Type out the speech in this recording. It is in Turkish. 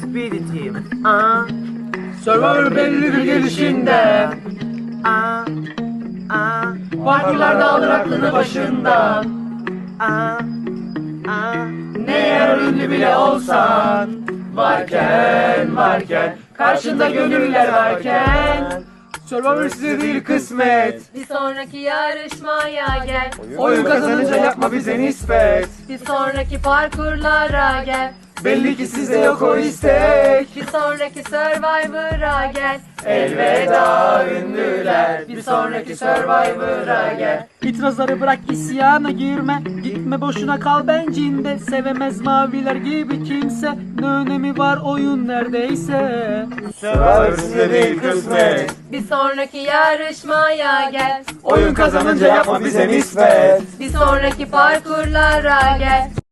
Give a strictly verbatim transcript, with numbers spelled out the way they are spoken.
Be the team. Aa, Survivor belli bir gelişinde. aa, aa, Parkurlarda alır aklını başından. aa, aa. Ne eğer ünlü bile olsan. Varken varken karşında gönüller varken. Survivor size değil kısmet. Bir sonraki yarışmaya gel. Oyun kazanınca yapma bize nispet. Bir sonraki parkurlara gel. Belli ki sizde yok o istek. Bir sonraki Survivor'a gel. Elveda ünlüler. Bir sonraki Survivor'a gel. İtirazları bırak, isyana girme. Gitme boşuna, kal bencinde. Sevemez maviler gibi kimse. Ne önemi var oyun neredeyse. Survivor size değil kısmet. Bir sonraki yarışmaya gel. Oyun kazanınca yapma bize nispet. Bir sonraki parkurlara gel.